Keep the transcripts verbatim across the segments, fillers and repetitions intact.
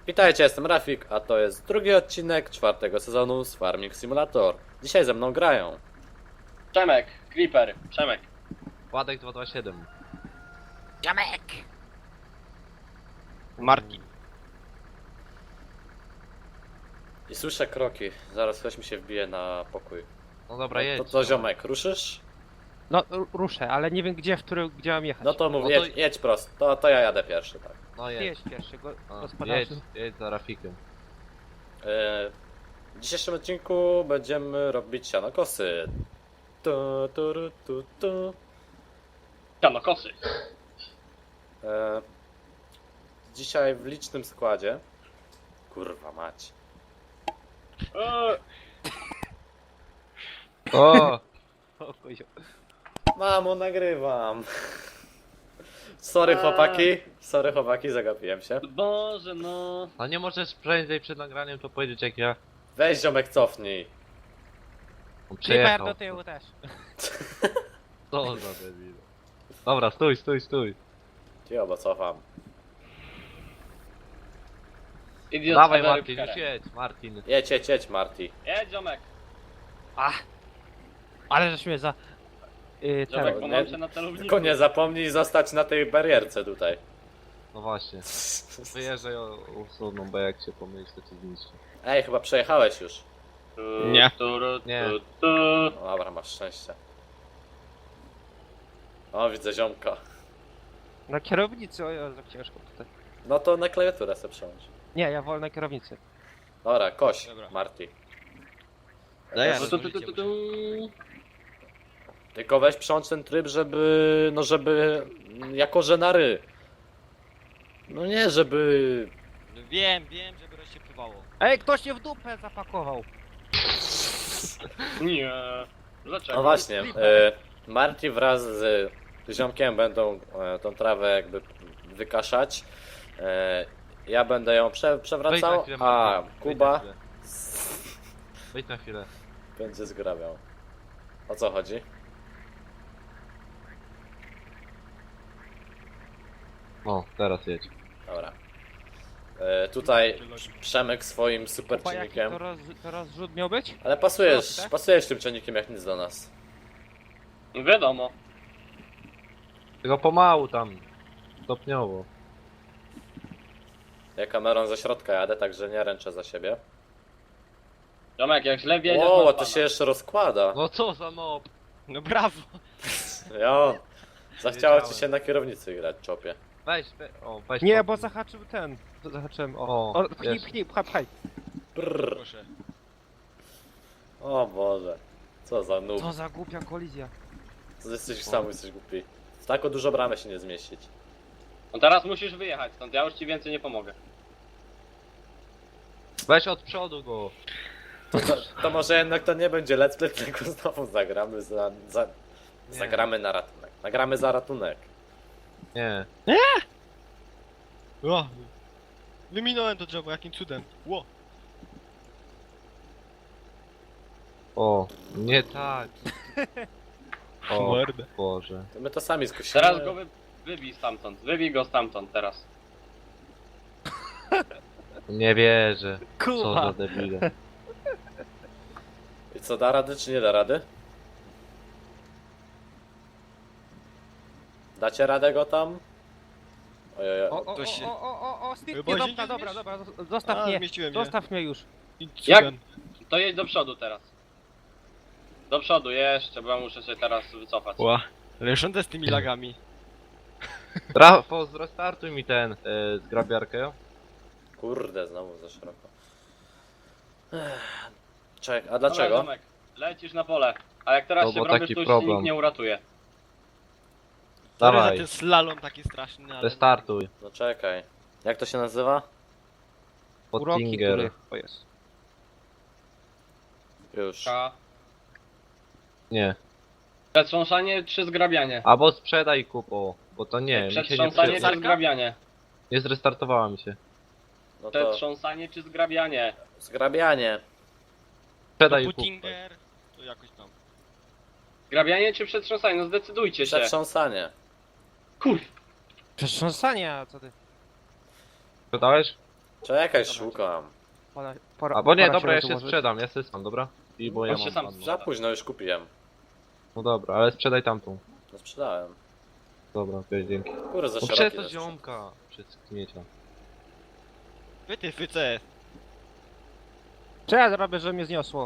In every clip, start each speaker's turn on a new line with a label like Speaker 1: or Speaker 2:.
Speaker 1: Witajcie, jestem Rafik, a to jest drugi odcinek czwartego sezonu z Farming Simulator. Dzisiaj ze mną grają
Speaker 2: Przemek, Creeper, Przemek.
Speaker 3: Władek dwa dwa siedem.
Speaker 4: Jamek!
Speaker 3: Marki.
Speaker 1: i słyszę kroki. Zaraz ktoś mi się wbije na pokój.
Speaker 3: No dobra, jedź.
Speaker 1: To, to ziomek, ruszysz?
Speaker 5: No ru- ruszę, ale nie wiem gdzie, w który, gdzie mam jechać.
Speaker 1: No to mów,
Speaker 3: No to-
Speaker 1: jedź, jedź prosto. To, to ja jadę pierwszy, tak.
Speaker 3: No
Speaker 5: Ty
Speaker 3: jedź.
Speaker 5: jedź pierwszy, go,
Speaker 3: A, jedź,
Speaker 5: gospodarzu.
Speaker 3: jedź za Rafikiem.
Speaker 1: E, W dzisiejszym odcinku będziemy robić sianokosy. Tu, tu, ru, tu, tu.
Speaker 2: Siano, kosy.
Speaker 1: E, Dzisiaj w licznym składzie. Kurwa mać.
Speaker 2: Eee,
Speaker 3: O!
Speaker 5: O, kozio.
Speaker 1: Mamo, nagrywam. Sorry
Speaker 2: A.
Speaker 1: chłopaki, sorry chłopaki, zagapiłem się.
Speaker 2: Boże no.
Speaker 3: A nie możesz prędzej przed nagraniem to powiedzieć jak ja
Speaker 1: Weź ziomek, cofnij.
Speaker 3: on
Speaker 5: Creeper
Speaker 3: przejechał.
Speaker 5: do tyłu też.
Speaker 3: Co za debil. Dobra, stój, stój, stój.
Speaker 1: Cio, bo cofam.
Speaker 2: Idiot
Speaker 3: Dawaj
Speaker 2: Federer
Speaker 3: Martin,
Speaker 2: Pukera.
Speaker 3: już jedź, Martin.
Speaker 1: Jedź, jedź, jedź, Marty.
Speaker 2: Jedź, ziomek.
Speaker 5: Ale żeś mnie za... Yy,
Speaker 2: Ziomek,
Speaker 5: ten.
Speaker 2: pomączę na celowniku.
Speaker 1: Tylko nie zapomnij zostać na tej barierce tutaj.
Speaker 3: No właśnie. Wyjeżdżaj o usuną, bo jak się pomylisz to cię zniszczy.
Speaker 1: Ej, chyba przejechałeś już.
Speaker 2: Tu,
Speaker 5: Nie.
Speaker 2: tu, ru, tu,
Speaker 3: Nie.
Speaker 2: tu.
Speaker 1: No dobra, masz szczęście. O, widzę ziomka.
Speaker 5: Na kierownicy, o Jezu, jak ciężko tutaj.
Speaker 1: No to na klawiaturę sobie przełącz.
Speaker 5: Nie, ja wolę na kierownicy.
Speaker 1: Dobra, koś,
Speaker 5: Dobra.
Speaker 1: Marty.
Speaker 5: Daj,
Speaker 2: Tu, tu, tu, tu, tu, tu.
Speaker 1: Tylko weź przełącz ten tryb, żeby... No żeby... Jako że na ry. No nie, żeby...
Speaker 4: Wiem, wiem, żeby rozsiepowało.
Speaker 5: Ej, ktoś się w dupę zapakował.
Speaker 2: Nie. Dlaczego?
Speaker 1: No właśnie, e, Marty wraz z ziomkiem będą e, tą trawę jakby wykaszać. E, ja będę ją prze,
Speaker 3: Wejdź na
Speaker 1: przewracał,
Speaker 3: chwilę,
Speaker 1: a
Speaker 3: Martin. Wejdź na
Speaker 1: Kuba
Speaker 3: chwilę. Wejdź na chwilę.
Speaker 1: będzie zgrabiał. O co chodzi?
Speaker 3: O, teraz jedź.
Speaker 1: Dobra. E, tutaj Przemek swoim super
Speaker 5: Kupa, jaki
Speaker 1: czynnikiem.
Speaker 5: to, roz, to rozrzut miał być?
Speaker 1: Ale pasujesz,
Speaker 5: Proste.
Speaker 1: pasujesz tym czynnikiem jak nic do nas.
Speaker 2: Wiadomo.
Speaker 3: Tylko pomału tam. Stopniowo.
Speaker 1: Ja kamerą ze środka jadę, także nie ręczę za siebie.
Speaker 2: Ziomek, jak źle wiedziesz,
Speaker 1: O,
Speaker 2: masz
Speaker 1: to
Speaker 2: pana.
Speaker 1: się jeszcze rozkłada.
Speaker 3: No co za nob.
Speaker 5: No brawo.
Speaker 1: Jo. Zachciało ci
Speaker 3: Wiedziałem.
Speaker 1: się na kierownicy grać, czopie.
Speaker 3: Weź, we, o, weź
Speaker 5: Nie,
Speaker 3: to.
Speaker 5: bo zahaczył ten. Zahaczyłem, o.
Speaker 3: O,
Speaker 5: O, pchnij,
Speaker 3: jest.
Speaker 5: pchnij, pchaj, pchaj.
Speaker 1: Brrr.
Speaker 4: Proszę.
Speaker 1: O Boże. Co za noob.
Speaker 5: Co za głupia kolizja.
Speaker 1: Co jesteś sam, jesteś głupi. W taką dużo bramę się nie zmieścić.
Speaker 2: No teraz musisz wyjechać stąd, ja już ci więcej nie pomogę.
Speaker 3: Weź od przodu go.
Speaker 1: To, to może jednak to nie będzie let's play, tylko znowu zagramy za, za,
Speaker 3: Nie.
Speaker 1: zagramy na ratunek. Nagramy za ratunek.
Speaker 3: Nie.
Speaker 4: O, wyminąłem to drzewo, jakim cudem. Ło.
Speaker 3: O, nie tak. O,
Speaker 4: Mordę.
Speaker 3: Boże.
Speaker 1: To my to sami skusimy.
Speaker 2: Teraz go wy... wybij stamtąd. Wybij go stamtąd teraz.
Speaker 3: Nie wierzę. Co
Speaker 5: Kuba.
Speaker 3: za debile.
Speaker 1: I co, da rady czy nie da rady? Dacie radę go tam? Ojej,
Speaker 5: O, o,
Speaker 4: To się-
Speaker 5: o, o, o, o, Steve,
Speaker 4: Bo
Speaker 5: nie,
Speaker 4: się
Speaker 5: dobra,
Speaker 4: nie
Speaker 5: dobra,
Speaker 4: zmiesz-
Speaker 5: dobra, zo- zostaw
Speaker 4: A,
Speaker 5: mnie.
Speaker 4: zmieściłem się.
Speaker 5: Zostaw mnie już.
Speaker 4: I
Speaker 2: Jak?
Speaker 4: cudem.
Speaker 2: To jedź do przodu teraz. Do przodu jeszcze, bo ja muszę się teraz wycofać.
Speaker 4: Ła. Ale rządzę z tymi lagami.
Speaker 3: Rafał, zrestartuj mi ten e, zgrabiarkę.
Speaker 1: kurde, znowu za szeroko. Ech. Czek, a
Speaker 2: Dobra,
Speaker 1: dlaczego?
Speaker 2: ziomek, lecisz na pole. A jak teraz
Speaker 3: No
Speaker 2: się
Speaker 3: bo
Speaker 2: wrobisz,
Speaker 3: taki
Speaker 2: to już ci
Speaker 3: problem.
Speaker 2: nikt nie uratuje.
Speaker 4: Sorry za
Speaker 3: Dawaj,
Speaker 4: ten slalom taki straszny, ale...
Speaker 3: restartuj.
Speaker 1: No czekaj. Jak to się nazywa?
Speaker 5: Uroki,
Speaker 3: Pottinger.
Speaker 5: który... O jest.
Speaker 1: Już.
Speaker 2: K.
Speaker 3: Nie.
Speaker 2: Przetrząsanie czy zgrabianie?
Speaker 3: Albo sprzedaj kupo, bo to nie, mi się nie
Speaker 2: Przetrząsanie
Speaker 3: przyda.
Speaker 2: czy zgrabianie?
Speaker 3: Nie zrestartowała mi się.
Speaker 1: No to
Speaker 2: Przetrząsanie czy zgrabianie?
Speaker 1: zgrabianie.
Speaker 3: Sprzedaj
Speaker 4: To
Speaker 3: kupo.
Speaker 4: Puttinger, to jakoś tam.
Speaker 2: Zgrabianie czy przetrząsanie? No zdecydujcie się.
Speaker 1: Przetrząsanie.
Speaker 2: Kur...
Speaker 5: Przetrząsanie, a co ty?
Speaker 3: Sprzedałeś?
Speaker 1: Czekaj, szukam.
Speaker 5: Pora, pora,
Speaker 3: A bo nie,
Speaker 5: pora
Speaker 3: dobra, ja się
Speaker 5: rozłożyć.
Speaker 3: sprzedam, ja się sam, dobra? I bo ja
Speaker 2: On się
Speaker 3: mam
Speaker 2: sam
Speaker 3: ładną.
Speaker 1: Za późno już kupiłem.
Speaker 3: No dobra, ale sprzedaj tamtą.
Speaker 1: No sprzedałem.
Speaker 3: Dobra, okej, dzięki.
Speaker 1: Kurde, za
Speaker 3: No
Speaker 1: szeroki
Speaker 3: przez to
Speaker 1: też.
Speaker 3: ziomka! Przez kmiecia.
Speaker 4: Wy ty, fyce.
Speaker 5: Co ja zrobię, że mnie zniosło?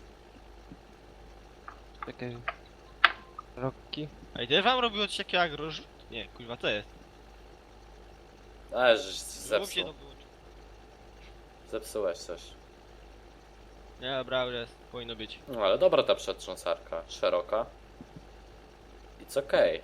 Speaker 5: Czekaj. Roki.
Speaker 4: A i też wam robiło coś takiego jak roż... Nie, kurwa, co jest?
Speaker 1: Ale żeś
Speaker 4: Zrób się
Speaker 1: zepsuł.
Speaker 4: to wyłączy.
Speaker 1: Zepsułeś coś.
Speaker 4: Nie, dobra, już jest. Powinno być.
Speaker 1: No ale dobra ta przetrząsarka. Szeroka. It's okej.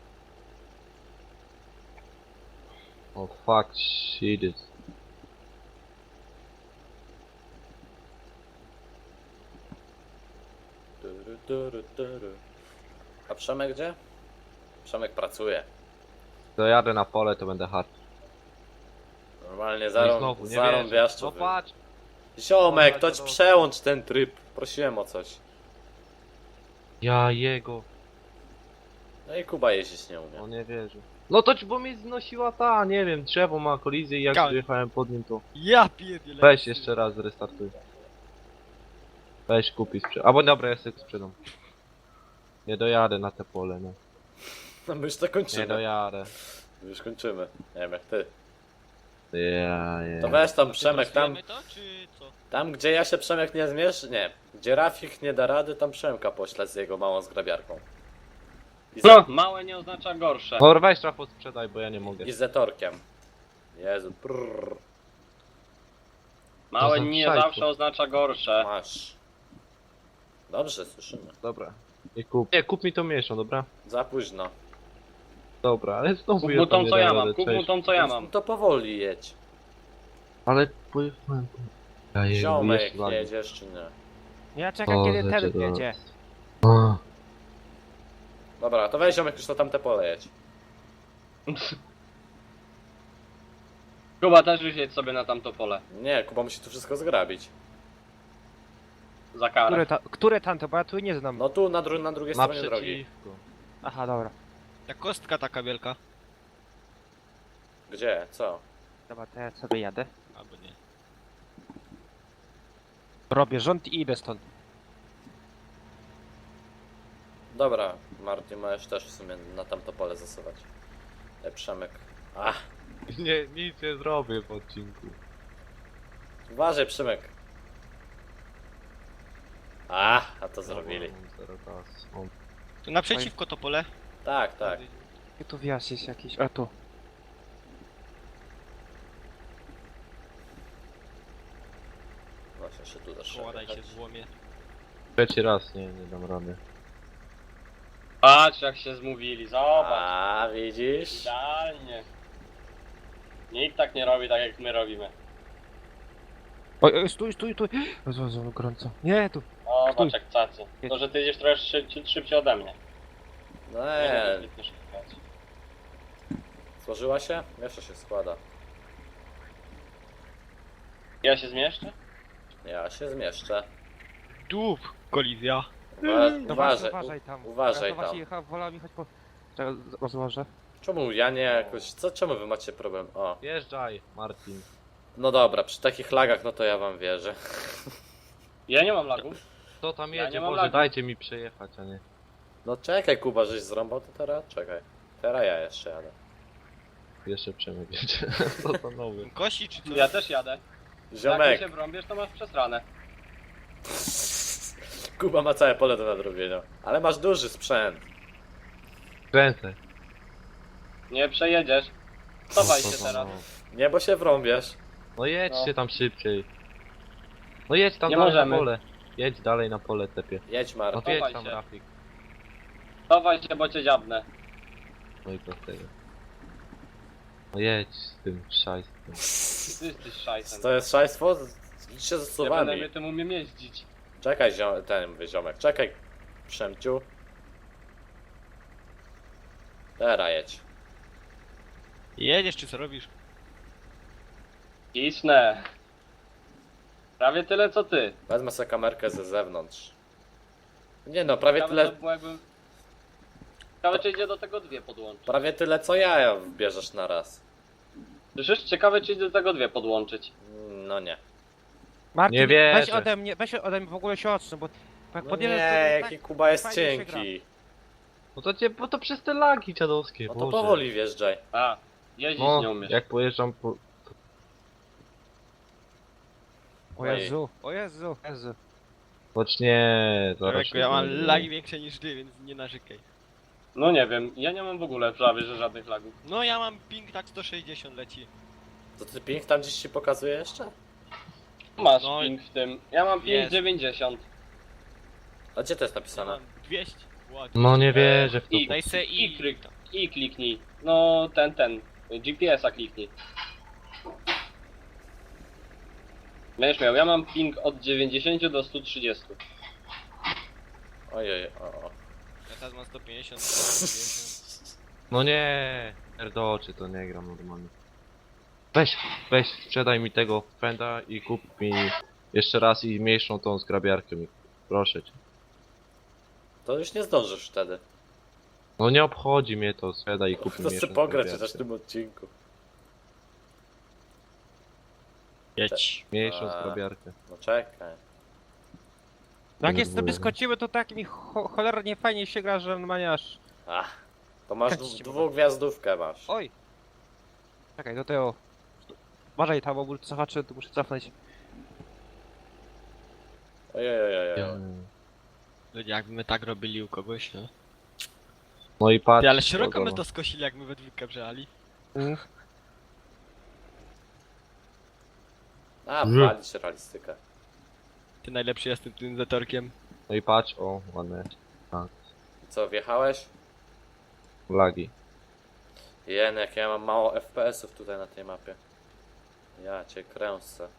Speaker 3: O fuck, shit is.
Speaker 1: Turu, turu, turu. A Przemek gdzie? Przemek pracuje.
Speaker 3: Dojadę na pole, to będę hard.
Speaker 1: Normalnie
Speaker 3: No i
Speaker 1: zarą,
Speaker 3: znowu, nie
Speaker 1: zarąbiaszczu.
Speaker 3: No
Speaker 1: wy-
Speaker 3: patrz!
Speaker 1: Ziomek, to ci
Speaker 3: Dobra,
Speaker 1: przełącz ten tryb. Prosiłem o coś.
Speaker 3: Ja jego.
Speaker 1: No i Kuba jeździć nie umie.
Speaker 3: On nie wierzy. No to ci, bo mnie znosiła ta, nie wiem, drzewo ma kolizję i jak
Speaker 4: Ka-
Speaker 3: przyjechałem pod nim to...
Speaker 4: Ja pierdzielę.
Speaker 3: Weź jeszcze raz, zrestartuj. Weź kupi sprzed... Albo dobra, ja sobie sprzedam. Nie dojadę na te pole, no.
Speaker 1: No my już to
Speaker 3: Nie
Speaker 1: kończymy.
Speaker 3: dojadę.
Speaker 1: My już kończymy. Nie wiem jak ty.
Speaker 3: Ja, ja.
Speaker 1: To weź tam Przemek, tam,
Speaker 4: Trasujemy to, czy co?
Speaker 1: tam gdzie ja się Przemek nie zmierz... Nie. Gdzie Rafik nie da rady, tam Przemka poślę z jego małą zgrabiarką. I,
Speaker 2: No,
Speaker 1: za...
Speaker 2: małe nie oznacza gorsze.
Speaker 3: No weź Rafał sprzedaj, bo ja nie mogę.
Speaker 1: I z zetorkiem. Jezu, prrr,
Speaker 2: Małe
Speaker 3: To za
Speaker 2: nie
Speaker 3: szajku.
Speaker 2: zawsze oznacza gorsze.
Speaker 1: masz. Dobrze, słyszymy.
Speaker 3: Dobra. Nie kup. Nie, kup mi tą mniejszą, dobra?
Speaker 1: Za późno.
Speaker 3: Dobra, ale znowu
Speaker 2: Kup
Speaker 3: ja
Speaker 2: mu
Speaker 3: tam
Speaker 2: tą
Speaker 3: nie
Speaker 2: co ja
Speaker 3: dam
Speaker 2: mam,
Speaker 3: rady,
Speaker 2: kup mu
Speaker 3: cześć.
Speaker 2: tą co ja
Speaker 1: No
Speaker 2: mam.
Speaker 1: to powoli jedź.
Speaker 3: Ale pojechałem. Ja je-
Speaker 1: Ziomek,
Speaker 3: jeszcze lag.
Speaker 1: jedziesz czy nie?
Speaker 5: Ja czekam
Speaker 3: O,
Speaker 5: kiedy
Speaker 3: rzeczy
Speaker 5: ten
Speaker 3: do-
Speaker 5: jedzie.
Speaker 3: A,
Speaker 1: Dobra, to weź ziomek już na tamte pole jedź.
Speaker 2: Kuba też już jedź sobie na tamto pole.
Speaker 1: Nie, Kuba musi tu wszystko zgrabić.
Speaker 2: Za karę.
Speaker 5: Które, ta, które tamto, bo ja tu nie znam.
Speaker 1: No tu na, dru na drugiej stronie drogi.
Speaker 3: Naprzeciwko.
Speaker 5: Aha, dobra.
Speaker 4: Ta kostka taka wielka.
Speaker 1: Gdzie? Co?
Speaker 5: Dobra, to ja sobie jadę.
Speaker 4: Albo nie.
Speaker 5: Robię rząd i idę stąd.
Speaker 1: Dobra, Martin, możesz też w sumie na tamto pole zasuwać. E, Przemek. Ach,
Speaker 3: Nie, nic nie zrobię w odcinku.
Speaker 1: uważaj Przemek. A, a to zrobili.
Speaker 3: Dobra, mam zero czasu. O,
Speaker 4: To naprzeciwko to pole.
Speaker 1: Tak, tak.
Speaker 5: Gdzie tu wjazd jest jakiś? A tu.
Speaker 1: Właśnie się tu też
Speaker 4: Koła daj się złomie.
Speaker 3: Trzeci raz, nie, nie dam rady.
Speaker 2: Patrz jak się zmówili, zobacz.
Speaker 1: A, widzisz?
Speaker 2: Idealnie. Nikt tak nie robi tak jak my robimy.
Speaker 5: Oj, oj, stój, stój, stój. Jezu, Jezu, gorąco. Nie, tu.
Speaker 2: O,
Speaker 5: Stój.
Speaker 2: patrz jak cacy. To, że ty jedziesz trochę szy szybciej ode mnie.
Speaker 1: No
Speaker 2: Nie
Speaker 1: nie,
Speaker 2: wiem, zbytnio szybko jechać.
Speaker 1: złożyła się? Jeszcze się składa.
Speaker 2: Ja się zmieszczę?
Speaker 1: Ja się zmieszczę.
Speaker 4: Dup, kolizja.
Speaker 1: Uwa
Speaker 5: No
Speaker 1: uważaj,
Speaker 5: właśnie, uważaj tam.
Speaker 1: uważaj
Speaker 5: ja to właśnie
Speaker 1: tam.
Speaker 5: jecha- wolałem jechać po... Czekaj, rozłożę.
Speaker 1: Czemu ja nie jakoś... Co, czemu wy macie problem? O,
Speaker 3: Jeżdżaj, Martin.
Speaker 1: no dobra, przy takich lagach no to ja wam wierzę.
Speaker 2: Ja nie mam lagów.
Speaker 3: Kto tam
Speaker 2: Ja
Speaker 3: jedzie?
Speaker 2: nie mam
Speaker 3: Boże,
Speaker 2: lagu.
Speaker 3: dajcie mi przejechać, a nie.
Speaker 1: No czekaj Kuba, żeś zrąbał to teraz? Czekaj. Teraz ja jeszcze jadę.
Speaker 3: Jeszcze Przemek jedzie. Co to nowy?
Speaker 4: Kosi czy co?
Speaker 2: Ja też jadę. Jak ty
Speaker 1: Ziomek,
Speaker 2: się brąbiesz, to masz przesranę.
Speaker 1: Kuba ma całe pole do nadrobienia. Ale masz duży sprzęt.
Speaker 3: Kręcę.
Speaker 2: Nie przejedziesz. Cofaj
Speaker 3: Co
Speaker 2: się
Speaker 3: za
Speaker 2: teraz.
Speaker 3: nowy?
Speaker 1: Nie, bo się wrąbiesz.
Speaker 3: No jedźcie
Speaker 2: No.
Speaker 3: tam szybciej. No jedź tam
Speaker 2: Nie
Speaker 3: dalej
Speaker 2: możemy.
Speaker 3: na pole. Jedź dalej na pole, tepie.
Speaker 1: Jedź
Speaker 3: No
Speaker 1: Marta.
Speaker 3: to jedź
Speaker 2: Chowaj
Speaker 3: tam,
Speaker 2: się.
Speaker 3: Rafik.
Speaker 2: Cofaj się, bo cię dziabnę.
Speaker 3: No i prostego. No jedź z tym szajstwem.
Speaker 2: Ty jesteś szajsem.
Speaker 1: To jest szajstwo? Idź się z
Speaker 2: Ja
Speaker 1: suwami.
Speaker 2: będę tym umiem jeździć.
Speaker 1: Czekaj ziom ten mówię, ziomek, czekaj. Przemciu. Teraz jedź.
Speaker 4: Jedziesz czy co robisz?
Speaker 2: Kisnę. Prawie tyle co ty.
Speaker 1: Wezmę sobie kamerkę ze zewnątrz. Nie no, prawie
Speaker 2: Ciekawe,
Speaker 1: tyle,
Speaker 2: to było jakbym... Ciekawe czy idzie do tego dwie podłączyć.
Speaker 1: prawie tyle co ja bierzesz na raz.
Speaker 2: Słyszysz? Ciekawe, czy do tego dwie podłączyć.
Speaker 1: No nie.
Speaker 5: Martin,
Speaker 3: Nie
Speaker 5: weź
Speaker 3: wierzę.
Speaker 5: ode mnie, weź ode mnie w ogóle się odsuń, bo jak
Speaker 1: No
Speaker 5: podjedziesz
Speaker 1: nie,
Speaker 5: do
Speaker 1: jaki Kuba jest
Speaker 5: fajnie się
Speaker 1: cienki.
Speaker 3: No to cię, bo to przez te lagi dziadowskie,
Speaker 1: No to
Speaker 3: Boże.
Speaker 1: powoli wjeżdżaj.
Speaker 2: A, jeździć
Speaker 3: No,
Speaker 2: nie umiesz.
Speaker 3: jak pojeżdżam po...
Speaker 5: O Jezu, o Jezu, Jezu.
Speaker 3: Choć nie, zaraz
Speaker 4: Człowieku,
Speaker 3: się
Speaker 4: ja mam
Speaker 3: zmieni.
Speaker 4: lagi większe niż ty, więc nie narzekaj.
Speaker 2: No nie wiem, ja nie mam w ogóle prawie, że żadnych lagów.
Speaker 4: No ja mam ping tak sto sześćdziesiąt leci.
Speaker 1: To ty ping tam gdzieś ci pokazuje jeszcze?
Speaker 2: Masz
Speaker 4: No i-
Speaker 2: ping w tym. Ja mam ping
Speaker 4: Jest.
Speaker 2: dziewięćdziesiąt.
Speaker 1: A gdzie to jest
Speaker 4: Ja
Speaker 1: napisane?
Speaker 4: mam dwieście. Ładnie.
Speaker 3: No nie wierzę w to.
Speaker 2: I,
Speaker 4: Daj se
Speaker 2: i,
Speaker 4: i...
Speaker 2: klik, i kliknij. No ten, ten. G P S-a kliknij. Będziesz miał, ja mam ping od dziewięćdziesięciu do stu trzydziestu.
Speaker 1: Ojej, o, o.
Speaker 4: Ja teraz mam sto pięćdziesiąt, sto pięćdziesiąt.
Speaker 3: No nie, Erdoczy to nie gram normalnie. Weź, weź, sprzedaj mi tego fenda i kup mi jeszcze raz i mniejszą tą zgrabiarkę mi. Proszę cię.
Speaker 1: To już nie zdążysz wtedy.
Speaker 3: No nie obchodzi mnie to, sprzedaj i kup mi
Speaker 1: To chcę
Speaker 3: mniejszą
Speaker 1: pograć
Speaker 3: zgrabiarkę.
Speaker 1: chociaż w tym odcinku.
Speaker 4: Jedź.
Speaker 3: Mniejszą
Speaker 1: A.
Speaker 3: zgrabiarkę.
Speaker 1: No czekaj.
Speaker 5: Jak
Speaker 3: Nie
Speaker 5: jest sobie
Speaker 3: było.
Speaker 5: skociły, to tak mi cho cholernie fajnie się gra, że normalnie aż...
Speaker 1: Ach, to masz
Speaker 5: Tak
Speaker 1: dwu-
Speaker 5: ci
Speaker 1: dwugwiazdówkę masz.
Speaker 5: Oj! Czekaj, do tego... Uważaj tam, bo cofaczy, tu muszę cofnąć.
Speaker 1: Ojej, ojej, ojej.
Speaker 4: Ludzie, jakby my tak robili u kogoś, no.
Speaker 3: No i patrz.
Speaker 4: Ty, ale szeroko my
Speaker 3: kogo
Speaker 4: to skosili, jak my we dwójkę brzali.
Speaker 5: Mm.
Speaker 1: A,
Speaker 3: Mm.
Speaker 1: walić realistykę.
Speaker 4: Ty najlepszy jestem tym zatorkiem.
Speaker 3: No i patrz, o, ładne.
Speaker 1: I co, wjechałeś?
Speaker 3: Lagi.
Speaker 1: Jenek, ja mam mało F P S-ów tutaj na tej mapie. Ja cię kręcę.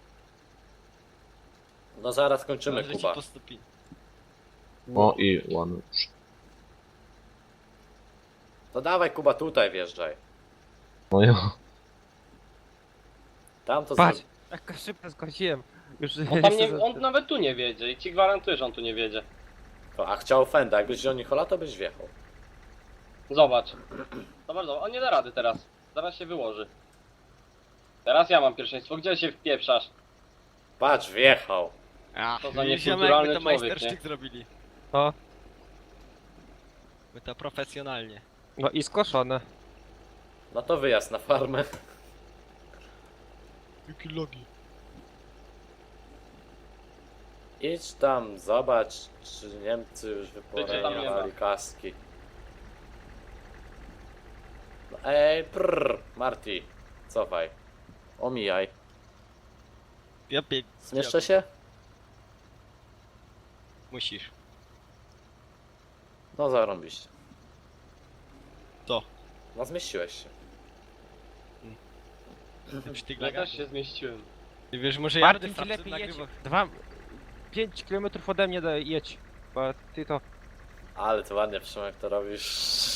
Speaker 1: No zaraz kończymy,
Speaker 4: Może ci
Speaker 1: Kuba.
Speaker 4: po stopień.
Speaker 3: O i ładny.
Speaker 1: To dawaj, Kuba, tutaj wjeżdżaj.
Speaker 3: No jo.
Speaker 1: Tam to
Speaker 5: Patrz!
Speaker 1: zro-
Speaker 5: Jak szybko skociłem. Już
Speaker 2: On tam nie, on nawet tu nie wiedzie i ci gwarantuję, że on tu nie wiedzie.
Speaker 1: to, A chciał Fenda, jakbyś wziął Nichola, to byś wjechał.
Speaker 2: Zobacz. Zobacz, zobacz, on nie da rady teraz. Zaraz się wyłoży. Teraz ja mam pierwszeństwo, gdzie się wpieprzasz?
Speaker 1: Patrz, wjechał.
Speaker 4: A,
Speaker 2: To za
Speaker 4: widzisz, ziomek,
Speaker 2: niekulturalny
Speaker 4: my to
Speaker 2: człowiek,
Speaker 4: majstersztyk zrobili.
Speaker 5: O,
Speaker 4: My to profesjonalnie.
Speaker 5: no i skoszone.
Speaker 1: No to wyjazd na farmę.
Speaker 4: Jakie logi.
Speaker 1: Idź tam, zobacz, czy Niemcy już
Speaker 2: Wiecie, tam nie
Speaker 1: wyporężali kaski. No, ej, prrr, Marty, cofaj. Omijaj.
Speaker 4: Ja pię...
Speaker 1: Zmieszczę się?
Speaker 4: Musisz.
Speaker 1: No zarąbiście.
Speaker 4: Co?
Speaker 1: No zmieściłeś się.
Speaker 4: Przy tych
Speaker 2: Ja
Speaker 4: lagach.
Speaker 2: też się zmieściłem.
Speaker 4: Ty wiesz, może ja będę
Speaker 5: Martin,
Speaker 4: w
Speaker 5: ty
Speaker 4: Frapce
Speaker 5: lepiej jedź.
Speaker 4: nagrywał.
Speaker 5: Dwa... Pięć kilometrów ode mnie do, jedź. Bo ty to...
Speaker 1: Ale to ładnie, Przemek, to robisz.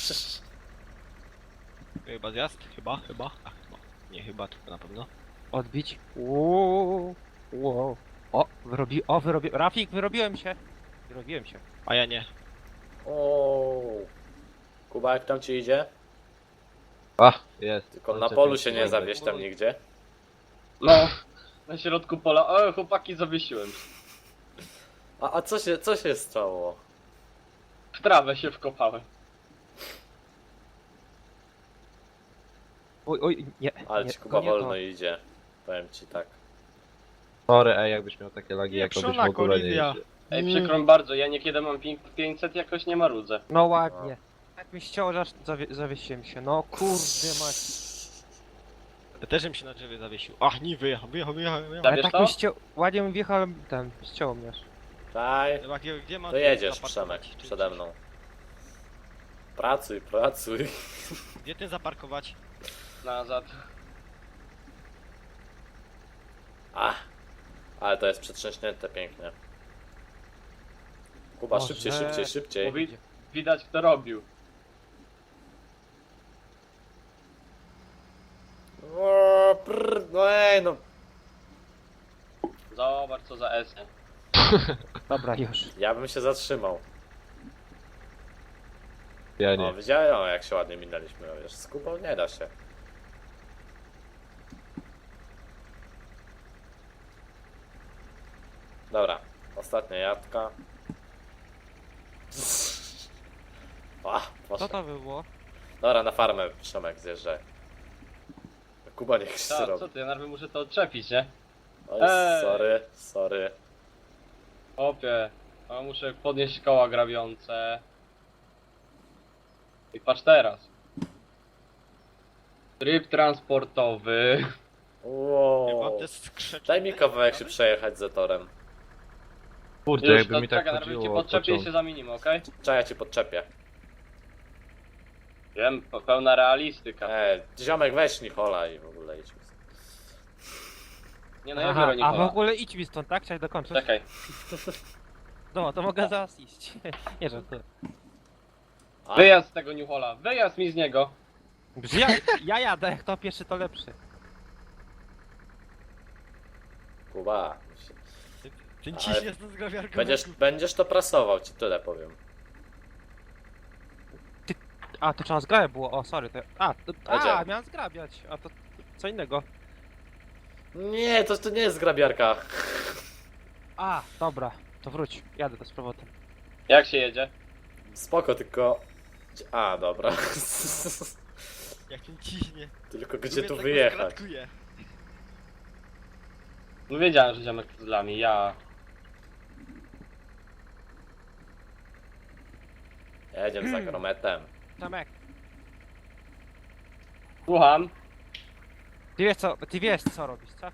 Speaker 4: Chyba zjazd? Chyba, chyba. A, chyba. Nie chyba, tylko na pewno.
Speaker 5: Odbić. Uuu, wow. O, wyrobi... O, wyrobi... Rafik, wyrobiłem się. Wyrobiłem się.
Speaker 4: A ja nie.
Speaker 1: O. Kuba, jak tam ci idzie?
Speaker 3: A, jest.
Speaker 1: Tylko na
Speaker 3: Kończę
Speaker 1: polu
Speaker 3: pięć
Speaker 1: się nie
Speaker 3: kilometrów.
Speaker 1: zawieź tam nigdzie.
Speaker 2: No. Na środku pola. O, chłopaki, zawiesiłem.
Speaker 1: A, a co się, co się stało?
Speaker 2: W trawę się wkopałem.
Speaker 5: Oj, oj, nie.
Speaker 1: Ale
Speaker 5: nie,
Speaker 1: ci Kuba
Speaker 5: to nie to.
Speaker 1: wolno idzie. Powiem ci tak.
Speaker 3: Sorry, ej, jakbyś miał takie lagi,
Speaker 4: Nie,
Speaker 3: jak to byś w
Speaker 4: przona
Speaker 3: ogóle nie
Speaker 4: kolizja.
Speaker 3: jeździł.
Speaker 2: Ej,
Speaker 5: Mm.
Speaker 2: przykro mi bardzo, ja niekiedy mam ping pięćset, jakoś nie marudzę.
Speaker 5: No ładnie. Tak mi ścięło, że aż zawie zawiesiłem się. No kurde mać.
Speaker 4: Ja też bym się na drzewie zawiesił. Ach, nie, wyjechał, wyjechał, wyjechał, wyjechał.
Speaker 2: Tak.
Speaker 5: Ale
Speaker 2: wiesz
Speaker 5: tak
Speaker 2: to?
Speaker 5: mi ścięło... Ładnie mi wjechałem ten... Ścięło mnie aż.
Speaker 1: Daj,
Speaker 4: Chyba, gdzie, gdzie mam
Speaker 1: to jedziesz,
Speaker 4: zaparkować?
Speaker 1: Przemek,
Speaker 4: Czy-
Speaker 1: przede mną. Pracuj, pracuj.
Speaker 4: Gdzie ty zaparkować?
Speaker 2: Nazad.
Speaker 1: A, ale to jest przetrzęśnięte pięknie. Kuba,
Speaker 5: Boże.
Speaker 1: szybciej, szybciej, szybciej.
Speaker 2: Mówi, widać kto robił.
Speaker 1: O, prr, no ej, no.
Speaker 2: Zobacz co za S.
Speaker 5: Dobra, już.
Speaker 1: Ja bym się zatrzymał.
Speaker 3: Ja
Speaker 1: O,
Speaker 3: nie.
Speaker 1: widziałem, o, jak się ładnie minęliśmy. Wiesz, z Kubą nie da się. Dobra, ostatnia jadka. A,
Speaker 5: Co
Speaker 1: poszło.
Speaker 5: to było?
Speaker 1: Dobra, na farmę Szymek zjeżdżaj. Kuba niech się
Speaker 2: Ta, co
Speaker 1: robi.
Speaker 2: ty, ja najpierw muszę to odczepić, nie?
Speaker 1: Oj,
Speaker 2: Ej.
Speaker 1: sorry, sorry.
Speaker 2: Opie, a muszę podnieść koła grabiące. I patrz teraz. Tryb transportowy.
Speaker 4: Ja mam
Speaker 1: Wow.
Speaker 4: te skrzeczki.
Speaker 1: Daj mi kawałek się przejechać z torem.
Speaker 3: Kurde,
Speaker 2: Już,
Speaker 3: jakby
Speaker 2: to
Speaker 3: mi tak
Speaker 2: czekaj, najpierw cię
Speaker 3: chodziło od
Speaker 2: podczepię i się
Speaker 3: początku.
Speaker 2: zamienimy, okej?
Speaker 1: Czekaj, ja ci podczepię.
Speaker 2: Wiem, pe- pełna realistyka.
Speaker 1: E, ziomek weź Nichola i w ogóle idź.
Speaker 2: Nie no, ja
Speaker 5: Aha,
Speaker 2: biorę
Speaker 5: a w
Speaker 2: Nikola.
Speaker 5: ogóle idź mi stąd, tak? Chciałeś dokończyć?
Speaker 2: Czekaj.
Speaker 5: No, to mogę zaraz iść. Nie żartuję.
Speaker 1: A,
Speaker 2: Wyjazd z tego Newhola, wyjazd mi z niego.
Speaker 5: Ja, ja jadę, kto pierwszy to lepszy.
Speaker 1: Kuba.
Speaker 4: Ten
Speaker 1: Ale
Speaker 4: ciśnie z grabiarką.
Speaker 1: Będziesz, będziesz to prasował, ci tyle powiem.
Speaker 5: A, to trzeba zgrabia było, o sorry. To... A, to... a,
Speaker 1: Jedziemy.
Speaker 5: miałem zgrabiać, a to co innego.
Speaker 1: Nie, to, to nie jest grabiarka.
Speaker 5: A, dobra, to wróć, jadę to z powrotem.
Speaker 2: Jak się jedzie?
Speaker 1: Spoko, tylko... A, dobra.
Speaker 4: Jak ten ciśnie.
Speaker 1: Tylko gdzie
Speaker 4: Lubię
Speaker 1: tu
Speaker 4: tak
Speaker 1: wyjechać?
Speaker 4: rozkratkuje.
Speaker 2: No wiedziałem, że ziomek z lami, ja...
Speaker 1: Jedziemy za grometem.
Speaker 5: Tomek,
Speaker 2: Słucham.
Speaker 5: ty wiesz co, ty wiesz co robisz, co?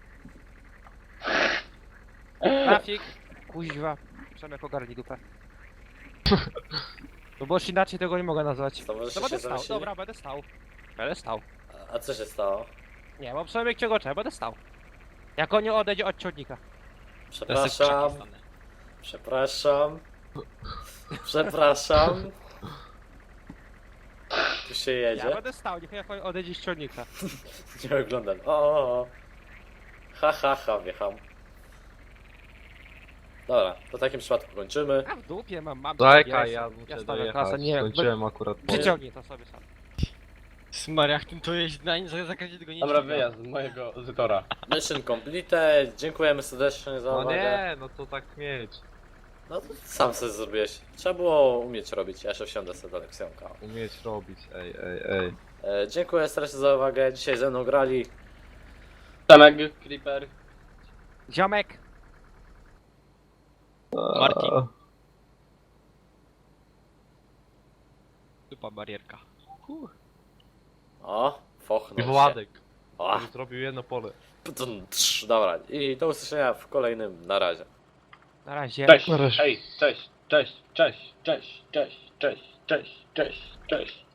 Speaker 5: Trafik, kuźwa, Przemek ogarnij dupę. No bo już inaczej tego nie mogę nazwać.
Speaker 1: To może
Speaker 5: No
Speaker 1: się
Speaker 5: będę stał,
Speaker 1: zamyślili?
Speaker 5: dobra, będę stał. Będę stał.
Speaker 1: A- A co się stało?
Speaker 5: Nie, bo Przemek cię gocze, będę stał. Jak on nie odejdzie od ciągnika.
Speaker 4: Ja se w krzaki
Speaker 1: Przepraszam,
Speaker 4: stanę.
Speaker 1: przepraszam. Przepraszam. Tu się
Speaker 5: Ja
Speaker 1: jedzie.
Speaker 5: będę stał, niech jak on odejdzie z ciągnika.
Speaker 1: Nie oglądam. O, o, o. Ha, ha, ha, wjecham. Dobra, to w takim przypadku kończymy.
Speaker 5: A w dupie mam, mam.
Speaker 3: Czekaj,
Speaker 5: ja
Speaker 3: ja
Speaker 5: jestem-
Speaker 3: muszę
Speaker 5: ja stawiam
Speaker 3: dojechać.
Speaker 5: klasę, nie wiem,
Speaker 3: Skończyłem akurat po...
Speaker 5: przyciągnij to sobie sam.
Speaker 4: Smariach tym to jeździ na nie zakręcie tego nie
Speaker 2: Dobra,
Speaker 4: dźwiga.
Speaker 2: wyjazd z mojego Zytora.
Speaker 1: Mission complete. Dziękujemy serdecznie za
Speaker 3: No
Speaker 1: uwagę.
Speaker 3: nie, no to tak mieć.
Speaker 1: No to sam sobie zrobiłeś. Trzeba było umieć robić. Ja jeszcze wsiądę sobie do Leksjonka.
Speaker 3: Umieć robić, ej, ej, ej.
Speaker 1: E, dziękuję serdecznie za uwagę. Dzisiaj ze mną grali
Speaker 2: Przemek, Creeper.
Speaker 5: Ziomek!
Speaker 4: Martin. Dupa barierka.
Speaker 1: O,
Speaker 3: I
Speaker 1: fochnął się.
Speaker 3: Władek,
Speaker 1: O,
Speaker 3: który zrobił jedno pole.
Speaker 1: ptum, trz, dobra. I do usłyszenia w kolejnym. Na razie.
Speaker 5: Na razie.
Speaker 2: Cześć,
Speaker 3: Na razie.
Speaker 2: hej, cześć, cześć, cześć, cześć, cześć, cześć, cześć, cześć, cześć.